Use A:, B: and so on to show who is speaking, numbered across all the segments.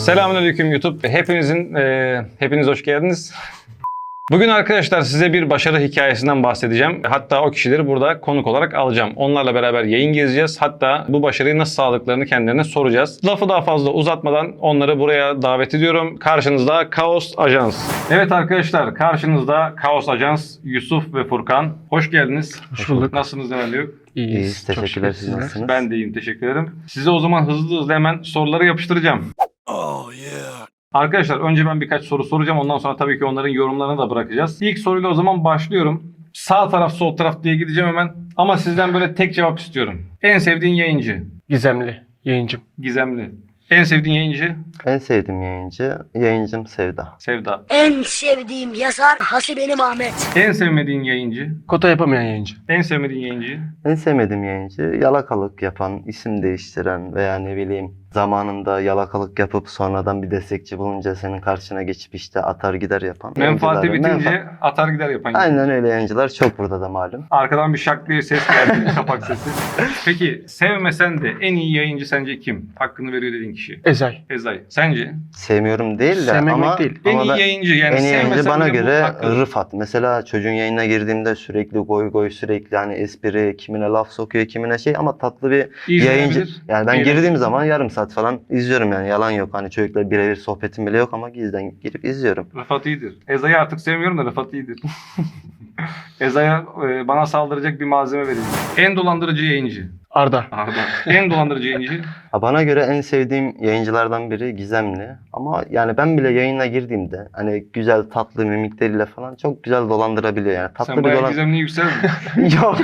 A: Selamünaleyküm YouTube. Hepiniz hoş geldiniz. Bugün arkadaşlar size bir başarı hikayesinden bahsedeceğim. Hatta o kişileri burada konuk olarak alacağım. Onlarla beraber yayın gezeceğiz. Hatta bu başarıyı nasıl sağladıklarını kendilerine soracağız. Lafı daha fazla uzatmadan onları buraya davet ediyorum. Karşınızda Kaos Ajans. Evet arkadaşlar, karşınızda Kaos Ajans, Yusuf ve Furkan. Hoş geldiniz.
B: Hoş bulduk.
A: Nasılsınız efendim?
B: İyiyiz.
C: Teşekkürler. Siz nasılsınız?
A: Ben de iyiyim, teşekkür ederim. Size o zaman hızlı hemen soruları yapıştıracağım. Arkadaşlar önce ben birkaç soru soracağım. Ondan sonra tabii ki onların yorumlarını da bırakacağız. İlk soruyla o zaman başlıyorum. Sağ taraf sol taraf diye gideceğim hemen. Ama sizden böyle tek cevap istiyorum. En sevdiğin yayıncı?
B: Gizemli yayıncım.
A: Gizemli. En sevdiğin yayıncı?
C: En sevdiğim yayıncım Sevda.
A: Sevda.
D: En sevdiğim yazar Hasibenim Ahmet.
A: En sevmediğin yayıncı?
B: Kota yapamayan yayıncı.
A: En sevmediğin yayıncı?
C: En sevmediğim yayıncı yalakalık yapan, isim değiştiren veya ne bileyim zamanında yalakalık yapıp sonradan bir destekçi bulunca senin karşına geçip işte atar gider yapan.
A: Menfaati
C: yayıncılar.
A: bitince atar gider yapan.
C: Aynen öyle yayıncılar çok burada da malum.
A: Arkadan bir şak diye ses geldi. Kapak sesi. Peki sevmesen de en iyi yayıncı sence kim? Hakkını veriyor dediğin kişi.
B: Ezay.
A: Ezay. Sence?
C: Sevmiyorum değil de
B: Sevmemek
C: ama,
B: değil.
A: En
C: ama
A: iyi
C: ben-
A: yayıncı yani
C: en iyi yayıncı
A: sevmesen
C: bana
A: bile bu
C: göre
A: hakkı.
C: Rıfat. Mesela çocuğun yayınına girdiğimde sürekli goy sürekli hani espri, kimine laf sokuyor, kimine şey ama tatlı bir yayıncı.
A: İzlenebilir.
C: Yani ben
A: Eğlenceli.
C: girdiğim zaman yarım saat falan izliyorum yani yalan yok. Hani çocukla birebir sohbetim bile yok ama gizden girip izliyorum.
A: Rıfat iyidir. Ezay'ı artık sevmiyorum da Rıfat iyidir. Ezay'a bana saldıracak bir malzeme vereyim. En dolandırıcı yayıncı.
B: Arda.
A: Arda. En dolandırıcı yayıncı.
C: Ha, bana göre en sevdiğim yayıncılardan biri Gizemli. Ama yani ben bile yayına girdiğimde hani güzel tatlı mimikleriyle falan çok güzel dolandırabiliyor yani. Tatlı
A: Sen
C: bir
A: bayağı gizemliği yükseldin.
C: Yok.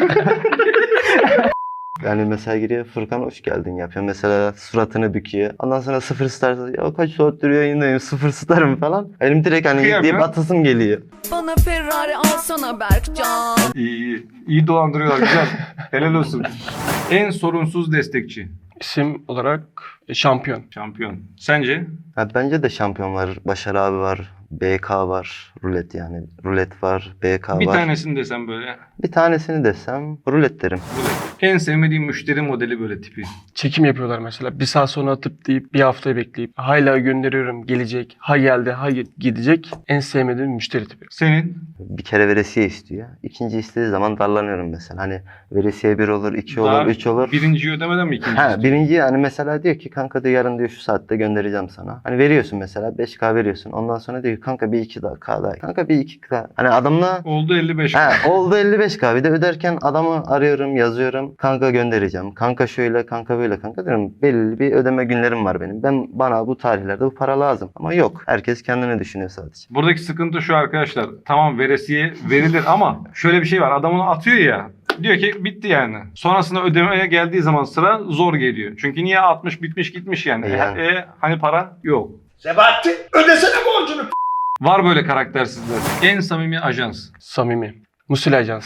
C: Yani mesela giriyor Furkan hoş geldin yapıyor. Mesela suratını büküyor. Ondan sonra sıfır star ya kaç saattir yayındayım sıfır starım falan. Benim direkt hani
A: Kıyamıyor.
C: deyip atasım geliyor.
E: Bana Ferrari alsana Berkcan.
A: İyi. İyi dolandırıyorlar. Güzel. Helal olsun. En sorunsuz destekçi.
B: İsim olarak şampiyon.
A: Şampiyon. Sence?
C: Ha, bence de şampiyon var. Başar abi var. BK var. Rulet yani. Rulet var. BK
A: Bir
C: var.
A: tanesini desem böyle.
C: Bir tanesini desem rulet derim.
A: En sevmediğim müşteri modeli böyle tipi.
B: Çekim yapıyorlar mesela. Bir saat sonra atıp deyip bir haftayı bekleyip hala gönderiyorum gelecek. Ha geldi ha gidecek. En sevmediğim müşteri tipi.
A: Senin?
C: Bir kere veresiye istiyor. İkinci istediği zaman darlanıyorum mesela. Hani veresiye 1 olur, 2
A: Daha
C: olur, 3 olur.
A: Birinciyi ödemeden mi ikinci?
C: Ha, birinci yani mesela diyor ki kanka diyor yarın diyor şu saatte göndereceğim sana. Hani veriyorsun mesela 5K veriyorsun. Ondan sonra diyor ki kanka bir 2K daha. Kanka bir 2K. Hani adamla
A: Oldu 55.
C: ha, oldu 55K. Bir de öderken adamı arıyorum, yazıyorum. Kanka göndereceğim. Kanka şöyle, kanka böyle kanka diyorum. Belli bir ödeme günlerim var benim. Bana bu tarihlerde bu para lazım. Ama yok. Herkes kendini düşünüyor sadece.
A: Buradaki sıkıntı şu arkadaşlar. Tamam veresiye verilir ama şöyle bir şey var. Adam onu atıyor ya. Diyor ki bitti yani. Sonrasında ödemeye geldiği zaman sıra zor geliyor. Çünkü niye 60 bitmiş gitmiş yani.
C: Yani.
A: Hani para yok.
F: Sebahattin ödesene borcunu.
A: Var böyle karaktersizler. En samimi ajans.
B: Samimi. Musil Ajans.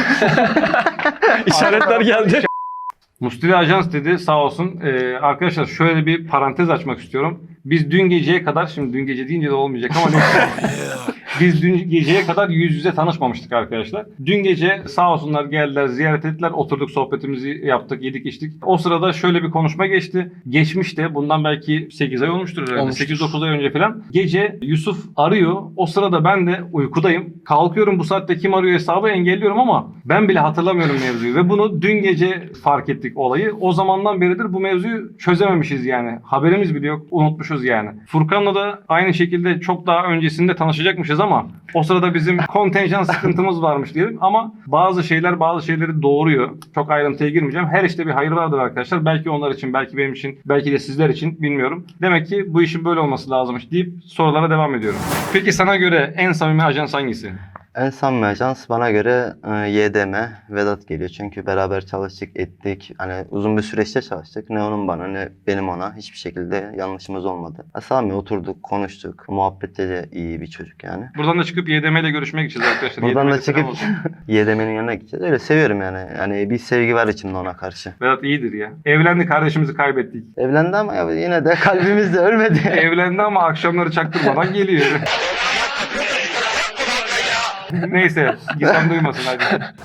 B: İşaretler geldi.
A: Mustili Ajans dedi sağ olsun. Arkadaşlar şöyle bir parantez açmak istiyorum. Biz dün geceye kadar, şimdi dün gece deyince de olmayacak ama neyse. Biz dün geceye kadar yüz yüze tanışmamıştık arkadaşlar. Dün gece sağ olsunlar geldiler, ziyaret ettiler. Oturduk, sohbetimizi yaptık, yedik içtik. O sırada şöyle bir konuşma geçti. Geçmişte bundan belki 8 ay olmuştur herhalde.
B: Olmuştur.
A: 8-9 ay önce falan. Gece Yusuf arıyor. O sırada ben de uykudayım. Kalkıyorum, bu saatte kim arıyor hesabı engelliyorum ama ben bile hatırlamıyorum mevzuyu. Ve bunu dün gece fark ettik olayı. O zamandan beridir bu mevzuyu çözememişiz yani. Haberimiz bile yok. Unutmuşuz yani. Furkan'la da aynı şekilde çok daha öncesinde tanışacakmışız ama o sırada bizim kontenjan sıkıntımız varmış diyelim ama bazı şeyleri doğuruyor. Çok ayrıntıya girmeyeceğim. Her işte bir hayır vardır arkadaşlar. Belki onlar için, belki benim için, belki de sizler için bilmiyorum. Demek ki bu işin böyle olması lazımmış deyip sorulara devam ediyorum. Peki sana göre en samimi ajans hangisi?
C: En samimi ajans bana göre YDM, Vedat geliyor. Çünkü beraber çalıştık, ettik. Hani uzun bir süreçte çalıştık. Ne onun bana ne benim ona. Hiçbir şekilde yanlışımız olmadı. Samimi oturduk, konuştuk. Muhabbette de iyi bir çocuk yani.
A: Buradan da çıkıp YDM ile görüşmeye gideceğiz arkadaşlar.
C: Buradan
A: YDM
C: da
A: 'de selam
C: çıkıp
A: olsun.
C: YDM'nin yanına gideceğiz. Öyle seviyorum yani. Yani bir sevgi var içimde ona karşı.
A: Vedat iyidir ya. Evlendi, kardeşimizi kaybettik.
C: Evlendi ama ya yine de kalbimizde ölmedi.
A: Evlendi ama akşamları çaktırmadan geliyor. Neyse, Gizem duymasın hadi.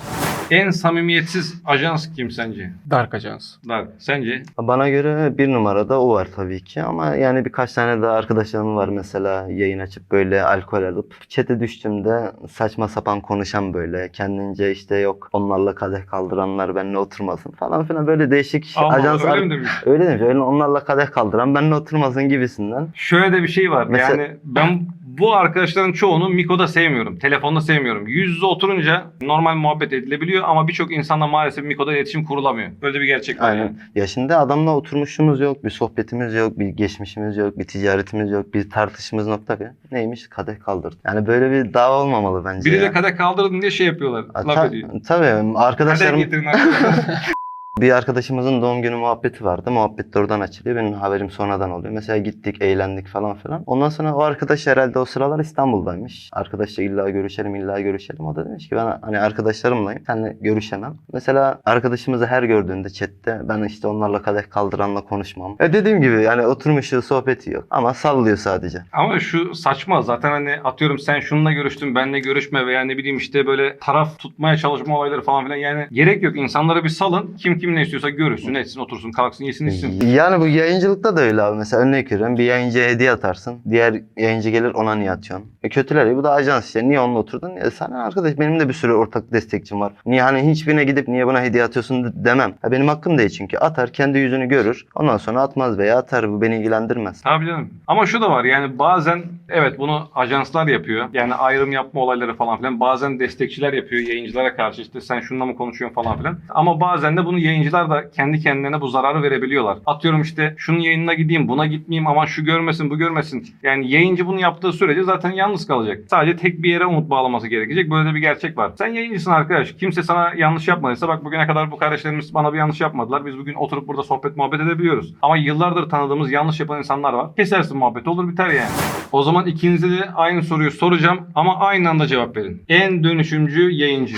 A: En samimiyetsiz ajans kim sence?
B: Dark Ajans.
A: Dark. Sence?
C: Bana göre bir numarada o var tabii ki ama yani birkaç tane daha arkadaşlarım var mesela yayın açıp böyle alkol alıp chat'e düştüğümde saçma sapan konuşan böyle kendince işte yok onlarla kadeh kaldıranlar benimle oturmasın falan filan böyle değişik
A: Allah
C: ajans
A: öyle mi demiş?
C: öyle demiş öyle onlarla kadeh kaldıran benimle oturmasın gibisinden.
A: Şöyle de bir şey var.
C: Mesela-
A: Yani ben bu arkadaşların çoğunu Miko'da sevmiyorum. Telefonda sevmiyorum. Yüz yüze oturunca normal muhabbet edilebiliyor ama birçok insanla maalesef Miko'da iletişim kurulamıyor. Böyle bir gerçek var yani.
C: Aynen. Ya şimdi adamla oturmuşumuz yok, bir sohbetimiz yok, bir geçmişimiz yok, bir ticaretimiz yok, bir tartışmamız nokta bir. Neymiş? Kadeh kaldırdı. Yani böyle bir dava olmamalı bence
A: Biri
C: ya.
A: de kadeh kaldırdın diye şey yapıyorlar. Laf ediyor.
C: Tabii
A: Kadeh
C: arkadaşlarım
A: getirin arkadaşlar.
C: bir arkadaşımızın doğum günü muhabbeti vardı. Muhabbet de oradan açılıyor. Benim haberim sonradan oluyor. Mesela gittik, eğlendik falan filan. Ondan sonra o arkadaş herhalde o sıralar İstanbul'daymış. Arkadaşla illa görüşelim, illa görüşelim. O da demiş ki ben hani arkadaşlarımlayım. Seninle görüşemem. Mesela arkadaşımızı her gördüğünde chatte ben işte onlarla kadeh kaldıranla konuşmam. Dediğim gibi yani oturmuşu sohbeti yok. Ama sallıyor sadece.
A: Ama şu saçma zaten hani atıyorum sen şununla görüştün benle görüşme veya ne bileyim işte böyle taraf tutmaya çalışma olayları falan filan yani gerek yok. İnsanları bir salın. Kim ne istiyorsa görüşsün, etsin, otursun, kalksın, yesin, içsin.
C: Yani bu yayıncılıkta da öyle abi. Mesela örnek veriyorum. Bir yayıncıya hediye atarsın. Diğer yayıncı gelir ona niye atıyorsun? Kötüler ya bu da ajans işte. Niye onunla oturdun? Sana arkadaş benim de bir sürü ortak destekçim var. Niye hani hiçbirine gidip niye buna hediye atıyorsun demem. Benim hakkım değil çünkü. Atar kendi yüzünü görür. Ondan sonra atmaz veya atar. Bu beni ilgilendirmez.
A: Tabii canım. Ama şu da var yani bazen evet bunu ajanslar yapıyor. Yani ayrım yapma olayları falan filan. Bazen destekçiler yapıyor yayıncılara karşı işte sen şununla mı konuşuyorsun falan filan. Ama bazen de bunu yayıncılar da kendi kendilerine bu zararı verebiliyorlar. Atıyorum işte şunun yayınına gideyim buna gitmeyeyim aman şu görmesin bu görmesin. Yani yayıncı bunu yaptığı sürece zaten yalnız kalacak. Sadece tek bir yere umut bağlaması gerekecek. Böyle de bir gerçek var. Sen yayıncısın arkadaş. Kimse sana yanlış yapmadıysa bak bugüne kadar bu kardeşlerimiz bana bir yanlış yapmadılar. Biz bugün oturup burada sohbet muhabbet edebiliyoruz. Ama yıllardır tanıdığımız yanlış yapan insanlar var. Kesersin muhabbet olur biter yani. O zaman ikinize de aynı soruyu soracağım ama aynı anda cevap verin. En dönüşümcü yayıncı.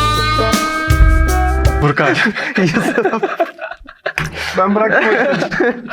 B: Burkay.
A: Ben bıraktım o yüzden.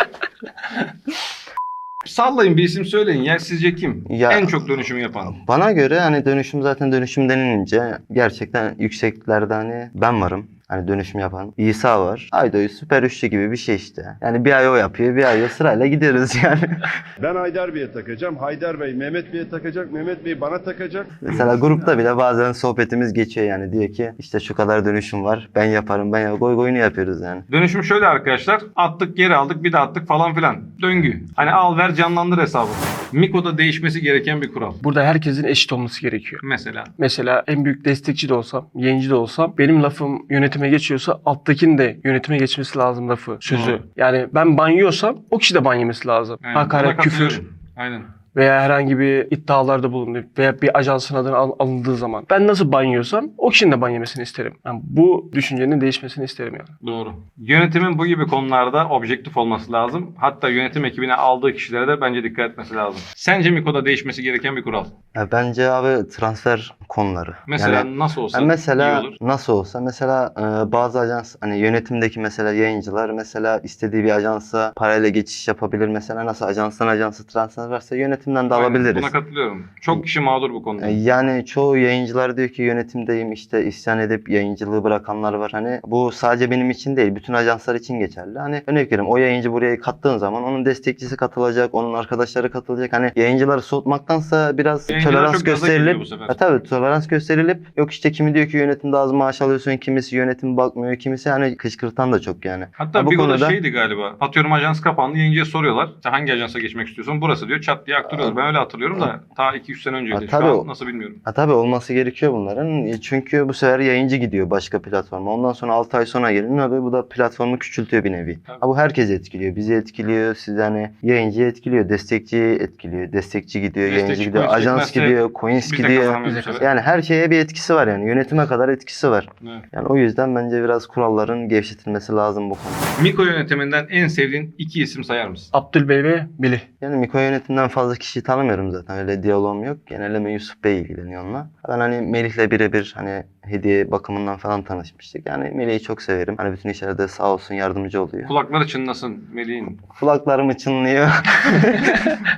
A: Sallayın bir isim söyleyin ya sizce kim?
C: Ya-
A: En çok dönüşüm yapan.
C: Bana göre hani dönüşüm zaten dönüşüm denilince gerçekten yükseklerde hani ben varım. Hani dönüşüm yapan. İsa var. Aydoğu süper üçlü gibi bir şey işte. Yani bir ay o yapıyor, bir ay o sırayla gidiyoruz yani.
F: Ben Haydar Bey'e takacağım. Haydar Bey Mehmet Bey'e takacak. Mehmet Bey bana takacak.
C: Mesela grupta bile bazen sohbetimiz geçiyor yani. Diyor ki işte şu kadar dönüşüm var. Ben yaparım, ben yaparım. Goy goyunu yapıyoruz yani.
A: Dönüşüm şöyle arkadaşlar. Attık geri aldık bir de attık falan filan. Döngü. Hani al ver canlandır hesabı. Miko'da değişmesi gereken bir kural.
B: Burada herkesin eşit olması gerekiyor.
A: Mesela.
B: Mesela en büyük destekçi de olsam, yayıncı da olsam benim lafım yönetime geçiyorsa alttakinin de yönetime geçmesi lazım lafı, sözü.
A: Doğru.
B: Yani ben ban yiyorsam o kişi de ban yemesi lazım.
A: Yani buna
B: Hakaret, küfür
A: katılıyorum. Aynen.
B: veya herhangi bir iddialarda bulundu veya bir ajansın adına alındığı zaman ben nasıl ban yiyorsam o kişinin de ban yemesini isterim. Yani bu düşüncenin değişmesini isterim yani.
A: Doğru. Yönetimin bu gibi konularda objektif olması lazım. Hatta yönetim ekibine aldığı kişilere de bence dikkat etmesi lazım. Sence Miko'da değişmesi gereken bir kural.
C: Ya bence abi transfer konuları.
A: Mesela
C: Yani
A: nasıl olsa
C: mesela
A: iyi olur.
C: nasıl olsa mesela bazı ajans hani yönetimdeki mesela yayıncılar mesela istediği bir ajansa parayla geçiş yapabilir. Mesela nasıl ajanstan ajansa transfer varsa yönetimden de
A: Aynen,
C: alabiliriz.
A: buna katılıyorum. Çok kişi mağdur bu konuda.
C: Yani çoğu yayıncılar diyor ki yönetimdeyim işte isyan edip yayıncılığı bırakanlar var. Hani bu sadece benim için değil bütün ajanslar için geçerli. Hani örnek veriyorum o yayıncı buraya kattığın zaman onun destekçisi katılacak, onun arkadaşları katılacak. Hani yayıncıları soğutmaktansa biraz
A: Yayıncılar
C: tolerans
A: çok gaza geliyor
C: gösterilip
A: bu sefer.
C: tabii tolerans gösterilip yok işte kimi diyor ki yönetimde az maaş alıyorsun, kimisi yönetim bakmıyor, kimisi hani kışkırtan da çok yani.
A: Hatta
C: bu
A: bir konuda
C: konuda-
A: şeydi galiba. Atıyorum ajans kapandı. Yayıncıya soruyorlar. İşte hangi ajansa geçmek istiyorsun? Burası diyor. Çat diye aktarıyorlar. Ben öyle hatırlıyorum da ta 2-3 sene önceydi. Şu
C: tabii
A: an
C: o-
A: nasıl bilmiyorum.
C: Tabii olması gerekiyor bunların. Çünkü bu sefer yayıncı gidiyor başka platforma. Ondan sonra 6 ay sonra geliyor. Ne oluyor? Bu da platformu küçültüyor bir nevi.
A: Tabii.
C: Bu herkesi etkiliyor. Bizi etkiliyor. Siz hani yayıncıyı etkiliyor. Destekçiyi etkiliyor. Destekçi gidiyor.
A: Destekçi,
C: Yayıncı gidiyor.
A: coins
C: Ajans
A: gitmezse
C: gidiyor. Coins
A: Biz de
C: gidiyor.
A: kazanamıyoruz bu sefer.
C: Yani her şeye bir etkisi var yani. Yönetime kadar etkisi var.
A: Evet.
C: Yani o yüzden bence biraz kuralların gevşetilmesi lazım bu konuda.
A: Miko yönetiminden en sevdiğin 2 isim sayar mısın?
B: Abdülbey ve Billy.
C: Yani Miko yönetimden fazla kişiyi tanımıyorum zaten. Öyle diyalogum yok. Genelde Yusuf Bey ilgileniyor onunla. Ben hani Melih'le birebir hani hediye bakımından falan tanışmıştık. Yani Melih'i çok severim. Hani bütün işlerde sağ olsun yardımcı oluyor.
A: Kulakları çınlasın Melih'in.
C: Kulaklarım çınlıyor.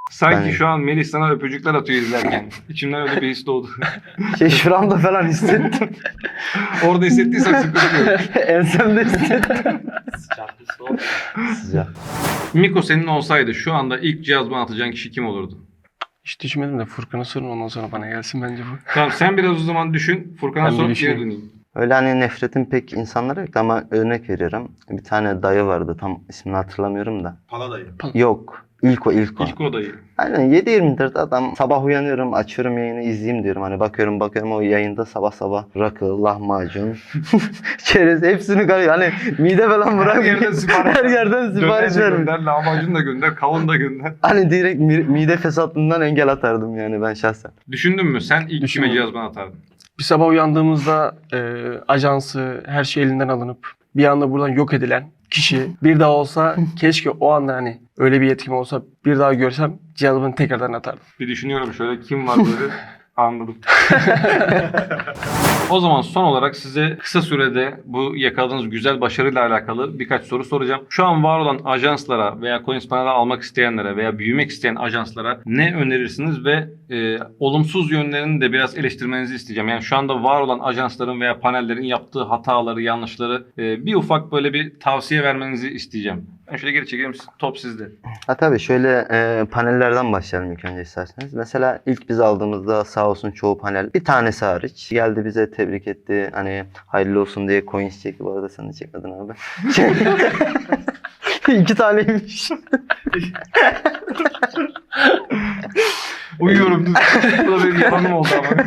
A: Sanki
C: Ben-
A: şu an Melih sana öpücükler atıyor izlerken. İçimden öyle bir his doğdu.
C: Şuramda falan hissettim.
A: Orada hissettiysen sıkıntı yok.
C: Ensemde hissettim. Sıcak.
A: Miko senin olsaydı şu anda ilk cihazdan atacağın kişi kim olurdu?
B: Hiç düşünmedim de Furkan'a sorun, ondan sonra bana gelsin bence bu.
A: Tamam sen biraz o zaman düşün. Furkan'a
B: Ben bir
A: sor geri
B: düşüneyim.
A: döneyim.
C: Öyle hani nefretim pek insanlara yok ama örnek veriyorum. Bir tane dayı vardı, tam ismini hatırlamıyorum da.
F: Paladayı.
C: Yok. İlk o.
A: İlk odayı.
C: Aynen 7-24 adam, sabah uyanıyorum, açıyorum yayını, izleyeyim diyorum. Hani bakıyorum o yayında sabah sabah rakı, lahmacun, çerez hepsini karıyor. Hani mide falan bırak.
A: Her yerden sipariş
C: Her yerden sipariş
A: Döner de
C: verim.
A: gönder, lahmacun da gönder, kavun da gönder.
C: Hani direkt mide fesatlığından engel atardım yani ben şahsen.
A: Düşündün mü? Sen ilk kime
B: Düşünmedim.
A: cihazdan atardın?
B: Bir sabah uyandığımızda ajansı, her şey elinden alınıp bir anda buradan yok edilen kişi bir daha olsa keşke o anda hani öyle bir yetkim olsa bir daha görsem cihazımı tekrardan atardım.
A: Bir düşünüyorum şöyle kim var böyle anladım. O zaman son olarak size kısa sürede bu yakaladığınız güzel başarıyla alakalı birkaç soru soracağım. Şu an var olan ajanslara veya CoinsPanel'e almak isteyenlere veya büyümek isteyen ajanslara ne önerirsiniz ve olumsuz yönlerini de biraz eleştirmenizi isteyeceğim. Yani şu anda var olan ajansların veya panellerin yaptığı hataları, yanlışları bir ufak böyle bir tavsiye vermenizi isteyeceğim. Ben şöyle geri çekeyim, top sizde.
C: Ha tabii şöyle panellerden başlayalım ilk önce isterseniz. Mesela ilk biz aldığımızda sağ olsun çoğu panel bir tanesi hariç geldi bize tebrik etti. Hani hayırlı olsun diye coins çekti. Bu arada sen de çekmedin abi. 2 taneymiş.
A: Uyuyorum. Bu da benim yalanım oldu ama.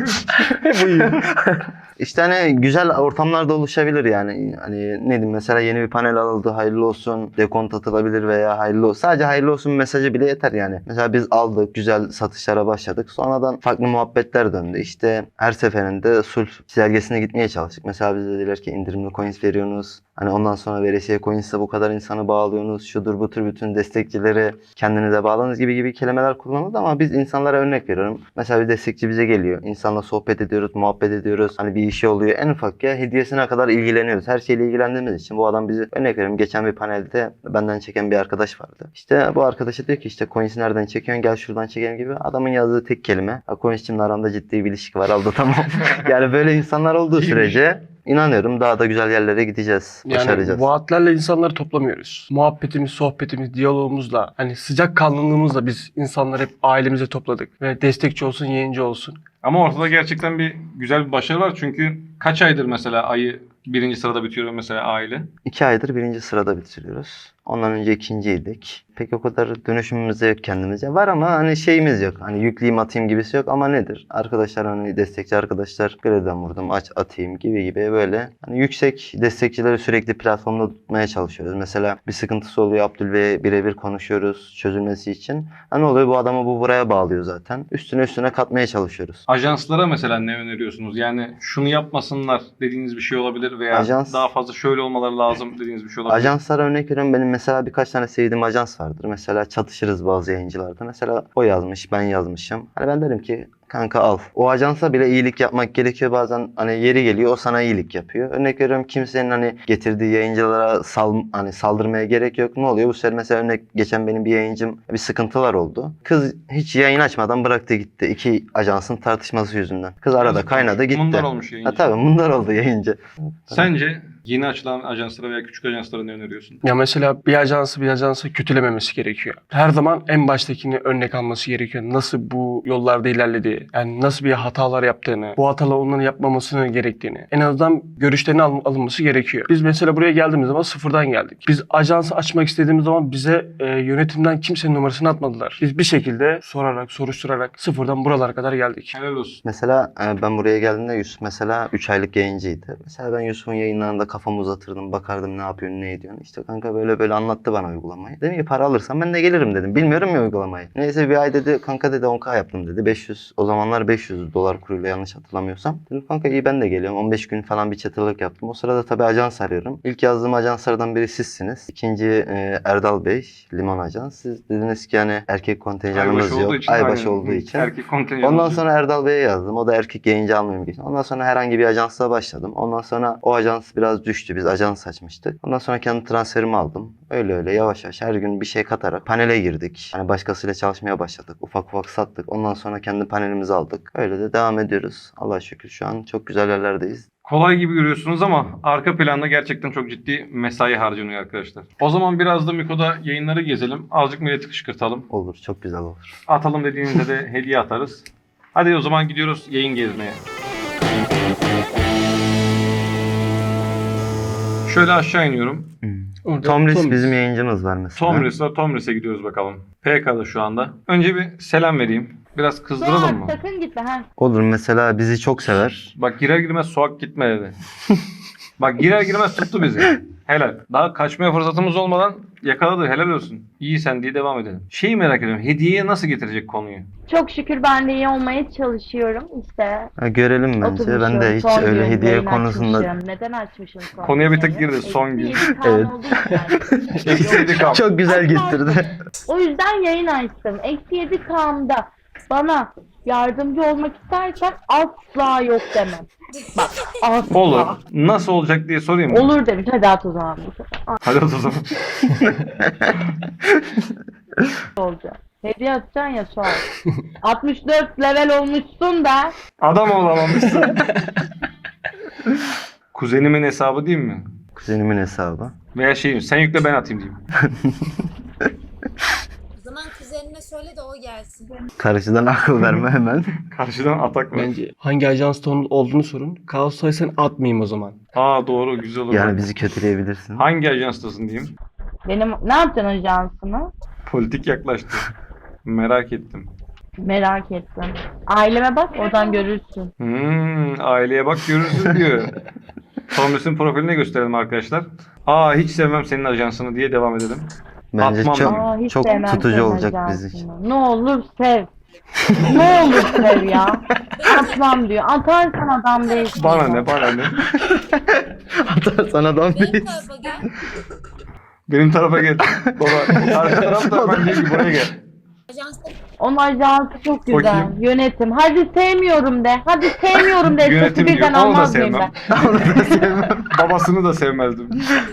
C: İşte hani güzel ortamlarda oluşabilir yani. Hani ne diyeyim, mesela yeni bir panel alındı, hayırlı olsun, dekont atılabilir veya hayırlı olsun. Sadece hayırlı olsun mesajı bile yeter yani. Mesela biz aldık, güzel satışlara başladık. Sonradan farklı muhabbetler döndü. İşte her seferinde sulh çizelgesine gitmeye çalıştık. Mesela bize dediler ki indirimli coins veriyorsunuz. Hani ondan sonra veresiye coins'e bu kadar insanı bağlıyorsunuz. Şudur bu tür bütün destekçileri kendinize bağlanız gibi kelimeler kullanıldı ama biz insanlara örnek veriyorum. Mesela bir destekçi bize geliyor. İnsanla sohbet ediyoruz, muhabbet ediyoruz. Hani bir işi oluyor. En ufak ya hediyesine kadar ilgileniyoruz. Her şeyle ilgilendiğimiz için bu adam bizi, örnek veriyorum, geçen bir panelde benden çeken bir arkadaş vardı. İşte bu arkadaşa diyor ki işte coins'i nereden çekiyorsun, gel şuradan çekelim gibi. Adamın yazdığı tek kelime. Coins'imle aramda ciddi bir ilişki var, aldı tamam. Yani böyle insanlar olduğu sürece İnanıyorum daha da güzel yerlere gideceğiz, başaracağız.
B: Yani vaatlerle insanları toplamıyoruz. Muhabbetimiz, sohbetimiz, diyalogumuzla, hani sıcak kanlılığımızla biz insanları hep ailemize topladık. Ve destekçi olsun, yayıncı olsun.
A: Ama ortada gerçekten bir güzel bir başarı var. Çünkü kaç aydır mesela ayı birinci sırada bitiyor mesela aile?
C: 2 aydır 1. sırada bitiriyoruz. Ondan önce 2.'ydik. Pek o kadar dönüşümümüz de yok kendimize. Var ama hani şeyimiz yok. Hani yükleyeyim atayım gibisi yok ama nedir? Arkadaşlar, hani destekçi arkadaşlar, greden vurdum aç atayım gibi böyle. Hani yüksek destekçileri sürekli platformda tutmaya çalışıyoruz. Mesela bir sıkıntısı oluyor, Abdülbey'e birebir konuşuyoruz çözülmesi için. Hani oluyor, bu adamı bu buraya bağlıyor zaten. Üstüne katmaya çalışıyoruz.
A: Ajanslara mesela ne öneriyorsunuz? Yani şunu yapmasınlar dediğiniz bir şey olabilir veya
C: Ajans-
A: daha fazla şöyle olmaları lazım dediğiniz bir şey olabilir.
C: Ajanslara örnek veriyorum. Benim mesela birkaç tane sevdiğim ajans vardır. Mesela çatışırız bazı yayıncılarda. Mesela o yazmış, ben yazmışım. Hani ben derim ki kanka al. O ajansa bile iyilik yapmak gerekiyor bazen. Hani yeri geliyor o sana iyilik yapıyor. Örnek veriyorum, kimsenin hani getirdiği yayıncılara hani saldırmaya gerek yok. Ne oluyor? Bu sefer mesela geçen benim bir yayıncım, bir sıkıntılar oldu. Kız hiç yayın açmadan bıraktı gitti. 2 ajansın tartışması yüzünden. Kız arada
A: Yazık.
C: kaynadı gitti.
A: Mundar olmuş yayıncı.
C: Ha tabii mundar oldu yayıncı.
A: Sence yeni açılan ajanslara veya küçük ajanslara ne öneriyorsun?
B: Ya mesela bir ajansı kötülememesi gerekiyor. Her zaman en baştakini örnek alması gerekiyor. Nasıl bu yollarda ilerlediği, yani nasıl bir hatalar yaptığını, bu hatalar onların yapmamasını gerektiğini, en azından görüşlerinin alınması gerekiyor. Biz mesela buraya geldiğimiz zaman sıfırdan geldik. Biz ajansı açmak istediğimiz zaman bize yönetimden kimsenin numarasını atmadılar. Biz bir şekilde sorarak, soruşturarak sıfırdan buralara kadar geldik.
A: Helal olsun.
C: Mesela ben buraya geldiğimde Yusuf mesela 3 aylık yayıncıydı. Mesela ben Yusuf'un yayınlarında kafamı uzatırdım, bakardım ne yapıyorsun, ne ediyorsun. İşte kanka böyle anlattı bana uygulamayı. Dedim ki para alırsam ben de gelirim dedim. Bilmiyorum ya uygulamayı. Neyse bir ay dedi, kanka dedi 10K yaptım dedi. 500, o zamanlar 500 dolar kuruyla yanlış hatırlamıyorsam. Dedim kanka iyi ben de geliyorum. 15 gün falan bir çatırlık yaptım. O sırada tabii ajans arıyorum. İlk yazdığım ajanslardan biri sizsiniz. İkinci Erdal Bey, Limon Ajans. Siz dediniz ki yani erkek kontenjanımız
A: Aybaşı
C: yok.
A: olduğu için,
C: Aybaşı
A: aynen.
C: olduğu için.
A: Erkek kontenjanı.
C: Ondan sonra Erdal Bey'e yazdım. O da erkek yayıncı almıyorum geçti. Ondan sonra herhangi bir ajansla başladım. Ondan sonra o ajans biraz biraz düştü. Biz ajans açmıştık. Ondan sonra kendi transferimi aldım. Öyle öyle yavaş yavaş her gün bir şey katarak panele girdik. Hani başkasıyla çalışmaya başladık. Ufak ufak sattık. Ondan sonra kendi panelimizi aldık. Öyle de devam ediyoruz. Allah'a şükür şu an çok güzel yerlerdeyiz.
A: Kolay gibi görüyorsunuz ama arka planda gerçekten çok ciddi mesai harcanıyor arkadaşlar. O zaman biraz da Miko'da yayınları gezelim. Azıcık milleti kışkırtalım.
C: Olur, çok güzel olur.
A: Atalım dediğinizde de hediye atarız. Hadi o zaman gidiyoruz yayın gezmeye. Şöyle aşağı iniyorum.
B: Orada
C: Tomris bizim yayıncımız var mesela.
A: Tomris var. Tomris'e gidiyoruz bakalım. PK'da şu anda. Önce bir selam vereyim. Biraz kızdıralım mı?
G: Sakın gitme ha.
C: Olur, mesela bizi çok sever.
A: Bak girer girmez Suak gitme dedi. Bak girer girmez tuttu bizi. Helal. Daha kaçmaya fırsatımız olmadan yakaladı. Helal olsun. İyi sen diye devam edelim. Şeyi merak ediyorum. Hediyeye nasıl getirecek konuyu?
G: Çok şükür ben de iyi olmaya çalışıyorum. İşte
C: Ha, görelim bence. Ben de
G: oturmuşum,
C: hiç
G: son
C: öyle
G: gün
C: hediye
G: yayın
C: konusunda
G: açmışım. Neden açmışım son
A: Konuya bir tık
G: yayını?
A: girdi, son gün.
G: Eksi 7
C: Evet.
G: olduğu için.
A: Eksi 7K.
C: çok güzel getirdi.
G: O yüzden yayın açtım. Eksi 7 K'mda bana yardımcı olmak istersen asla yok demem. Bak asla.
A: Olur. Nasıl olacak diye sorayım mı?
G: Olur demiş. Hadi at o zaman.
A: Hadi o zaman.
G: Olacak. Hediye atacaksın ya Suat. 64 level olmuşsun da.
A: Adam olamamışsın. Kuzenimin hesabı değil mi?
C: Kuzenimin hesabı.
A: Veya şeyim sen yükle ben atayım diyeyim.
H: O zaman kuzenine söyle de o gelsin.
C: Karşıdan akıl verme hemen.
A: Karşıdan atak var.
B: Bence hangi ajansta olduğunu sorun. Kaos saysan atmayayım o zaman.
A: Aa doğru güzel olur.
C: Yani bizi kötüleyebilirsin.
A: Hangi ajanstasın diyeyim.
G: Benim ne yapacaksın ajansını?
A: Politik yaklaştı. Merak ettim.
G: Merak ettim. Aileme bak oradan görürsün.
A: Aileye bak görürsün diyor. Tomris'in profiline gösterelim arkadaşlar. Aa hiç sevmem senin ajansını diye devam edelim.
C: Bence
A: Atmam
C: çok
A: ben.
G: Aa, hiç
C: çok
G: sevmem
C: tutucu
G: senin
C: olacak
G: ajansını.
C: bizim için.
G: Ne olur sev. Ne olur sev ya. Atmam diyor. Atarsan adam değilsin.
A: Bana ne bana ne.
C: Atarsan adam
H: Benim
C: değil.
H: tarafa gel.
A: Benim tarafa gel. Baba arka tarafta ben diyor ki buraya gel.
H: Ajansta
G: Onun ajansı çok güzel.
A: Bakayım.
G: Yönetim. Hadi sevmiyorum de. Hadi sevmiyorum de.
A: Yönetim
G: Sesi
A: diyor.
G: birden
A: Onu da
G: almaz mıyım
A: sevmem.
G: ben?
A: Babasını da sevmezdim.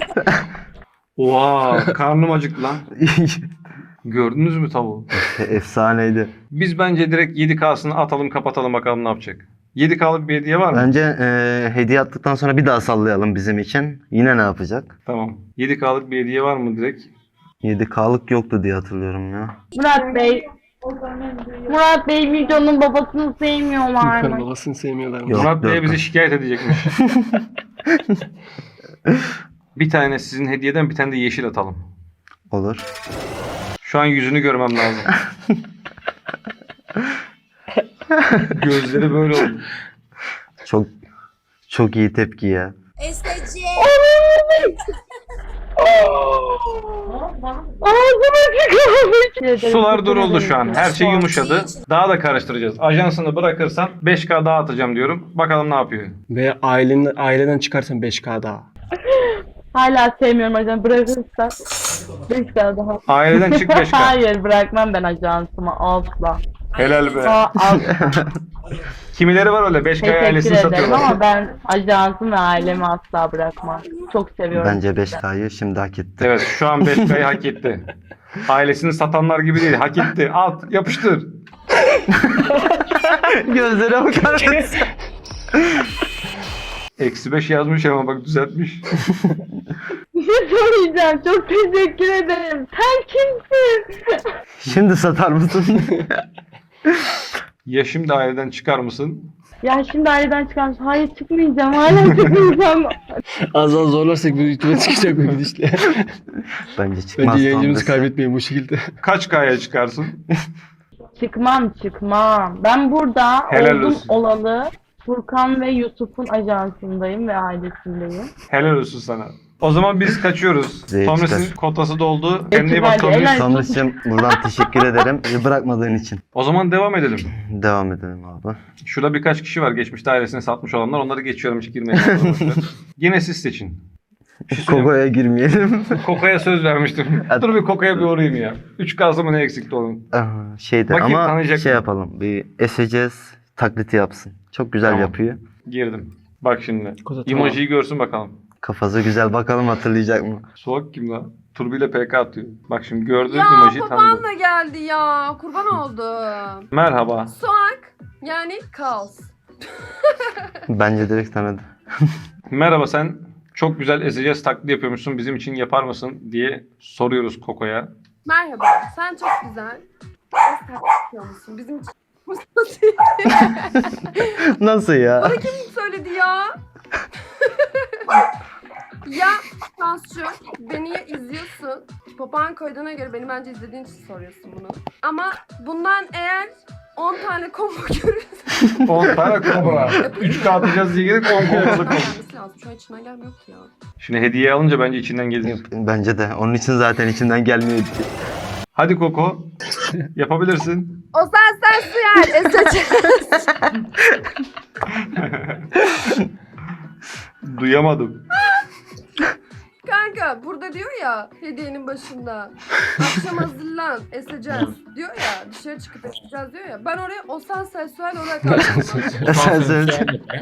A: Oha karnım acıktı lan. Gördünüz mü tavuğu?
C: Efsaneydi.
A: Biz bence direkt 7K'sını atalım kapatalım bakalım ne yapacak. 7K'lık bir hediye var mı?
C: Bence hediye attıktan sonra bir daha sallayalım bizim için. Yine ne yapacak?
A: Tamam. 7K'lık bir hediye var mı direkt?
C: 7K'lık yoktu diye hatırlıyorum ya.
G: Murat Bey. Murat Bey Milton'un babasını sevmiyorlar
B: Yukarı
G: mı?
B: babasını sevmiyorlar mı?
C: Yok.
A: Murat Bey'e
C: yok.
A: bizi şikayet edecekmiş. Bir tane sizin hediyeden bir tane de yeşil atalım.
C: Olur.
A: Şu an yüzünü görmem lazım. Gözleri böyle oldu.
C: Çok çok iyi tepki ya.
H: STC.
G: Ağzıma çıkıyor.
A: Sular duruldu şu an. Her şey yumuşadı. Daha da karıştıracağız. Ajansını bırakırsan 5K daha atacağım diyorum. Bakalım ne yapıyor.
B: Ve aileden çıkarsan 5K daha.
G: Hala sevmiyorum ajansı. Bırakırsa 5 daha.
A: Aileden çık 5K.
G: Hayır bırakmam ben ajansımı asla.
A: Helal be.
G: Asla.
A: Kimileri var öyle 5K
G: Teşekkür
A: ailesini
G: ederim
A: satıyorlar.
G: ama ben ajansım ve ailemi asla bırakmam. Çok seviyorum.
C: Bence 5K'yı şimdi hak etti.
A: Evet şu an 5K'yı hak etti. Ailesini satanlar gibi değil. Hak etti. At yapıştır.
C: Gözlere bakar mısın?
A: -5 yazmış ama bak düzeltmiş.
G: Bir şey söyleyeceğim. Çok teşekkür ederim. Sen kimsin?
C: Şimdi satar mısın?
A: Ya şimdi aileden çıkar mısın?
G: Ya şimdi aileden çıkarmış. Hayır çıkmayacağım. Hala çıkmayacağım.
B: Az daha zorlarsak bu YouTube'a çıkacak bu gidişle.
C: Bence çıkmaz.
B: Bence yayıncımızı
C: Tomris.
B: kaybetmeyin bu şekilde.
A: Kaç K'ya çıkarsın?
G: çıkmam. Ben burada
A: Helal
G: oldum
A: olsun.
G: olalı Furkan ve Yusuf'un ajansındayım ve ailesindeyim.
A: Helal olsun sana. O zaman biz kaçıyoruz.
C: Zeyt
A: Tomris'in
C: çıkar.
A: kotası doldu. Kendine iyi
G: Peki,
A: bak Tomris.
G: helal.
C: Tomris'cim buradan teşekkür ederim. Bizi bırakmadığın için.
A: O zaman devam edelim.
C: Devam edelim abi.
A: Şurada birkaç kişi var geçmişte ailesini satmış olanlar. Onları geçiyorum hiç girmeye çalışıyorum. Yine siz seçin.
C: Koko'ya girmeyelim.
A: Koko'ya söz vermiştim. Dur bir Koko'ya bir uğrayayım ya. 3K'sı mı ne eksikti onun?
C: Şeyde
A: Bakayım,
C: ama
A: tanıyacak
C: şey
A: mı?
C: yapalım. Bir taklidi yapsın. Çok güzel
A: Tamam.
C: yapıyor.
A: Girdim. Bak şimdi.
B: Kota tamam.
A: Emoji'yi görsün bakalım.
C: Kafası güzel, bakalım hatırlayacak mı?
A: Soğuk kim lan? Turbi ile PK atıyor. Bak şimdi gördüğün
E: Ya
A: emojiyi
E: babam
A: tanıdım.
E: da geldi ya. Kurban oldum.
A: Merhaba.
E: Soğuk yani kaos.
C: Bence direkt tanıdı.
A: Merhaba, sen çok güzel ezeceğiz taklidi yapıyormuşsun. Bizim için yapar mısın diye soruyoruz Koko'ya.
E: Merhaba, sen çok güzel. Esnaf yapıyor musun? Bizim için
C: Nasıl ya?
E: kim söyledi ya? Ya Şansçı, beni ya izliyorsun. Papağan koyduğuna göre beni bence izlediğin için soruyorsun bunu. Ama bundan eğer 10 tane combo görürsen
A: 10 tane kobra. 3K atacağız diye gelip 10 kombalık oldu.
E: gelmesi lazım. Şu an içinden gelmiyor ki ya.
A: Şimdi hediye alınca bence içinden gelir.
C: Bence de. Onun için zaten içinden gelmiyor.
A: Hadi Koko. Yapabilirsin.
E: O sen suyer, eseceğiz.
A: Duyamadım.
E: Kanka burada diyor ya hediyenin başında. Akşam hazırlan, eseceğiz diyor ya. Dışarı çıkıp eseceğiz diyor ya. Ben oraya o sen sensuel olarak aldım.
C: Sen söyle.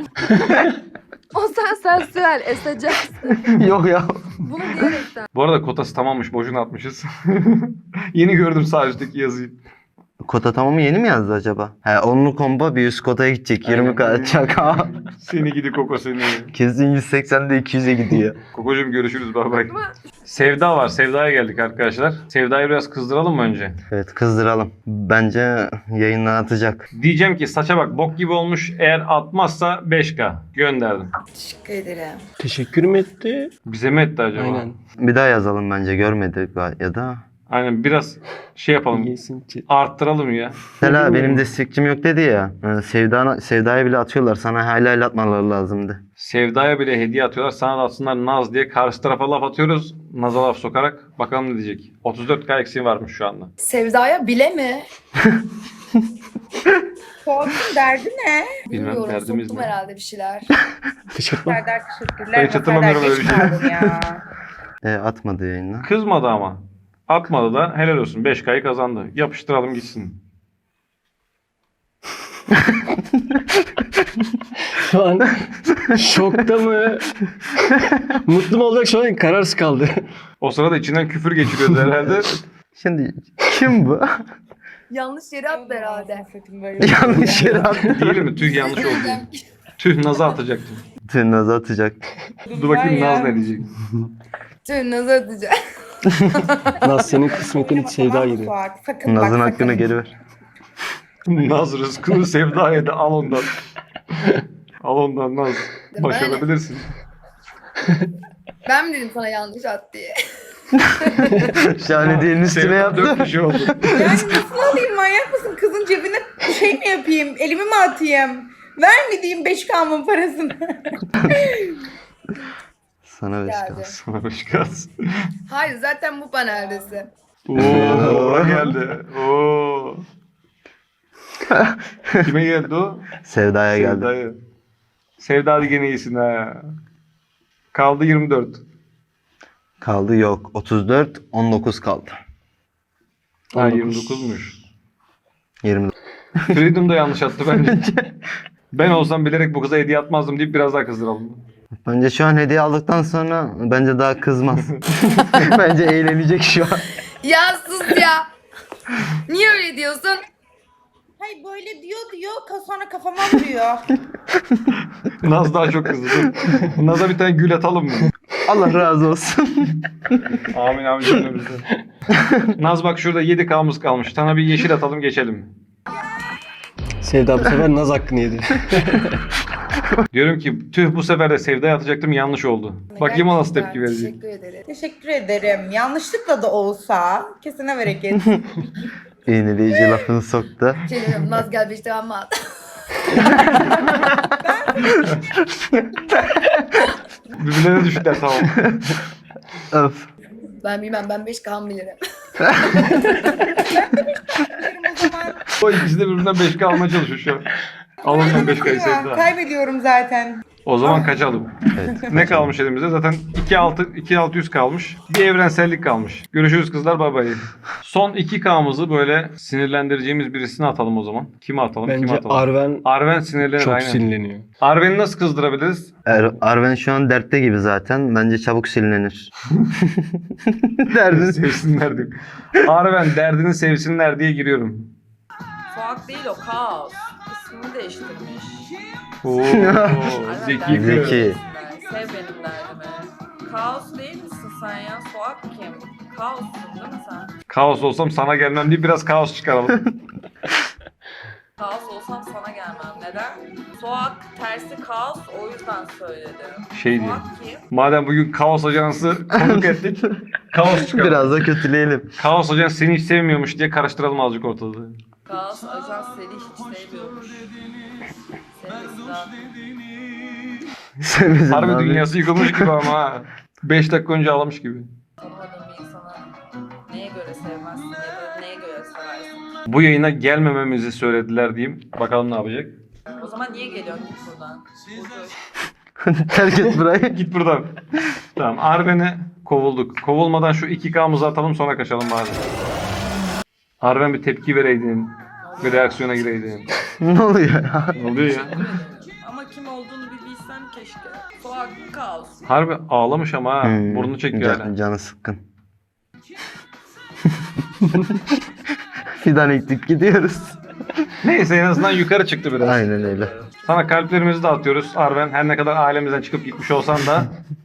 E: O sen sensuel, eseceğiz.
C: Yok ya.
E: Bunu diyerekten.
A: Bu arada kotası tamammış. Boşuna atmışız. Yeni gördüm sağ üstteki yazıyı.
C: Kota tamamı yeni mi yazdı acaba? He, onlu combo bir üst kotaya gidecek. 20 kalacak.
A: Seni gidi Koko seni.
C: Kesin 180'de 200'e gidiyor.
A: Kokocuğum görüşürüz. Bay bay.
E: Ama
A: Sevda var. Sevda'ya geldik arkadaşlar. Sevda'yı biraz kızdıralım mı önce?
C: Evet, kızdıralım. Bence yayından atacak.
A: Diyeceğim ki saça bak bok gibi olmuş. Eğer atmazsa 5K. Gönderdim.
H: Teşekkür ederim.
B: Teşekkür mü etti?
A: Bize mi etti acaba?
B: Aynen.
C: Bir daha yazalım bence, görmedi ya da.
A: Aynen biraz şey yapalım.
B: Yesin ki.
A: Arttıralım ya.
C: Mesela benim destekçim yok dedi ya. Sevda'ya bile atıyorlar. Sana hala atmaları lazımdı.
A: Sevda'ya bile hediye atıyorlar. Sana da atsınlar Naz diye. Karşı tarafa laf atıyoruz. Naz'a laf sokarak. Bakalım ne diyecek. 34K eksiği varmış şu anda.
H: Sevda'ya bile mi?
I: Korkun derdi ne?
A: Bilmem
H: Bilmiyorum,
A: derdimiz
H: soktum
A: ne.
H: herhalde bir şeyler.
B: Teşekkür ederim.
I: Serdar teşekkürler.
A: Ben hiç hatırlamıyorum
I: Serdar
A: öyle bir
I: geç
A: şey.
I: kaldın ya.
C: Atmadı yayından.
A: Kızmadı ama. Atmadı da helal olsun. 5K'yı kazandı. Yapıştıralım gitsin.
B: Şu an şokta mı? Mutlu mu olacak, şu an kararsız kaldı.
A: O sırada içinden küfür geçiriyordu herhalde.
C: Şimdi kim bu?
H: Yanlış yere attı herhalde.
C: Yanlış yere attı.
A: Değil mi? Tüh yanlış oldu. Tüh Naz'a atacaktım.
C: Tüm Naz'ı atacak.
A: Dur bakayım Naz ne diyecek.
H: Tüm nazar atacağım.
B: Naz, senin kısmetin Sevda gibi.
I: Sakın bak,
C: Naz'ın
I: sakın.
C: hakkını geri ver.
A: Naz rızkını Sevda'ya da al ondan. Al ondan Naz. Başarabilirsin.
H: Ben mi dedim sana yanlış at diye?
C: Şahane diyenin üstüne
A: Sevda
C: yaptı.
A: 4 kişi oldu.
I: Yani nasıl alayım, manyak mısın? Kızın cebine şey mi yapayım? Elimi mi atayım? Ver mi diyeyim 5K'mın parasını?
C: Sana 5
H: Geldi.
C: kalsın.
A: Sana 5 kalsın.
H: Hayır zaten bu paneldesi.
A: Oo geldi. Oo. Kime geldi o?
C: Sevda'ya geldi.
A: Sevda'ya. Sevda hadi gene iyisin ha. Kaldı 24.
C: Kaldı yok. 34, 19 kaldı.
A: Ha 29'muş.
C: 20.
A: Freedom da yanlış attı bence. Ben olsam bilerek bu kıza hediye atmazdım deyip biraz daha kızdıralım.
C: Bence şu an hediye aldıktan sonra bence daha kızmaz. Bence eğlenecek şu an.
H: Ya sus ya. Niye öyle diyorsun?
I: Hayır böyle diyor sonra kafama vuruyor.
A: Naz daha çok kızdı. Dur. Naz'a bir tane gül atalım mı?
C: Allah razı olsun.
A: Amin amin cümlemizden. Naz bak şurada 7K'mız kalmış. Sana bir yeşil atalım geçelim.
B: Sevda bu sefer Naz hakkını yedi.
A: Diyorum ki tüh bu sefer de Sevda'ya atacaktım yanlış oldu. Bakayım o nasıl tepki verecek.
H: Teşekkür ederim.
I: Teşekkür ederim. Yanlışlıkla da olsa kesine bereket.
C: İğneleyici lafını soktu.
H: Şey diyorum, Naz gel bir işte amma at.
A: Birbirlerine düştüler tamam.
C: Öf.
H: Ben bilmem, ben 5K bilirim.
I: o zaman
A: O ikisi de birbirinden 5K almaya çalışıyor şu an. Al ondan 5K'yı Sevda.
I: kaybediyorum zaten.
A: O zaman kaçalım.
C: Evet.
A: Ne kalmış elimizde? Zaten 2600 kalmış. Bir evrensellik kalmış. Görüşürüz kızlar, bay bay. Son 2K'mızı böyle sinirlendireceğimiz birisine atalım o zaman. Kime atalım? Kime
B: Bence
A: atalım?
B: Arven
A: Arven sinirlenir
B: çok
A: aynen.
B: sinirleniyor.
A: Arven'i nasıl kızdırabiliriz?
C: Arven şu an dertte gibi zaten. Bence çabuk silinir. Derdini
A: Sevsinler diye. Arven derdini sevsinler diye giriyorum.
H: Soğuk değil o, kaos. İsmini değiştirmiş.
A: Oo, zeki.
C: Zeki.
H: Sev benim derdimi. Kaos değil misin sen ya? Soğuk kim? Kaossun değil mi sen?
A: Kaos olsam sana gelmem diye biraz kaos çıkaralım.
H: Kaos olsam sana gelmem. Neden? Soğuk tersi kaos, o yüzden söyledim.
A: Şey diyor.
H: Soğuk kim?
A: Madem bugün Kaos Ajansı konuk ettik. Kaos çıkaralım.
C: biraz da kötüleyelim.
A: Kaos Ajansı seni hiç sevmiyormuş diye karıştıralım azıcık ortalığı.
H: Kaos ajan seni hiç sevmiyormuş.
C: Sevmedim
A: Harbi
C: abi.
A: dünyası yıkılmış gibi ama ha. 5 dakika önce ağlamış gibi.
H: Tanımadığın bir insana neye göre sevmezsin ya da neye göre seversin?
A: Bu yayına gelmememizi söylediler diyeyim. Bakalım ne yapacak.
H: O zaman niye geliyorsun git buradan? Burcu.
C: Terk et burayı.
A: Git buradan. Tamam, Arven'e kovulduk. Kovulmadan şu 2K'mızı atalım, sonra kaçalım bari. Arven bir tepki vereydin. Bir reaksiyona gireydin.
C: Ne oluyor ya?
A: Ne oluyor ya?
H: Ama kim olduğunu bir bilsem keşke. Soğuk kaos.
A: Harbi ağlamış ama ha. Burnunu çekiyor hala.
C: Canı sıkkın. Fidan ektik gidiyoruz.
A: Neyse, en azından yukarı çıktı biraz.
C: Aynen öyle.
A: Sana kalplerimizi de atıyoruz Arven. Her ne kadar ailemizden çıkıp gitmiş olsan da.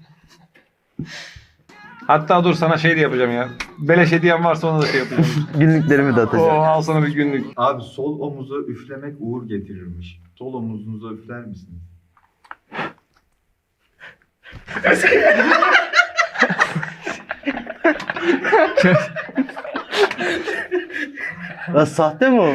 A: Hatta dur, sana şey de yapacağım ya. Beleş hediyem varsa ona da şey yapacağım.
C: Günlüklerimi de
A: Oo,
C: atacağım.
A: al sana bir günlük.
J: Abi sol omuza üflemek uğur getirirmiş. Sol omuzunuza üfler misiniz?
C: Ya sahte mi o?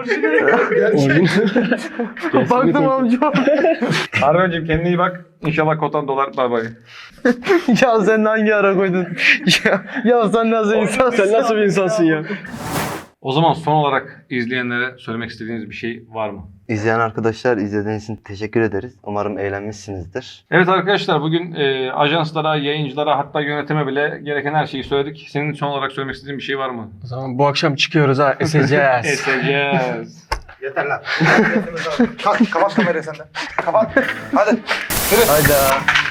C: Baktım amca.
A: Arven'cim kendine iyi bak. İnşallah kotan dolar. Bay bay.
C: Ya sen hangi ara koydun? ya sen nasıl insansın?
B: Sen nasıl bir insansın ya?
A: O zaman son olarak izleyenlere söylemek istediğiniz bir şey var mı?
C: İzleyen arkadaşlar, izlediğiniz için teşekkür ederiz. Umarım eğlenmişsinizdir.
A: Evet arkadaşlar, bugün ajanslara, yayıncılara, hatta yönetime bile gereken her şeyi söyledik. Senin son olarak söylemek istediğin bir şey var mı?
B: O zaman bu akşam çıkıyoruz ha. Eseceğiz.
A: Eseceğiz.
J: Yeter lan. Kalk kapat kamerayı sen de. Kapat. Hadi.
C: Hayda.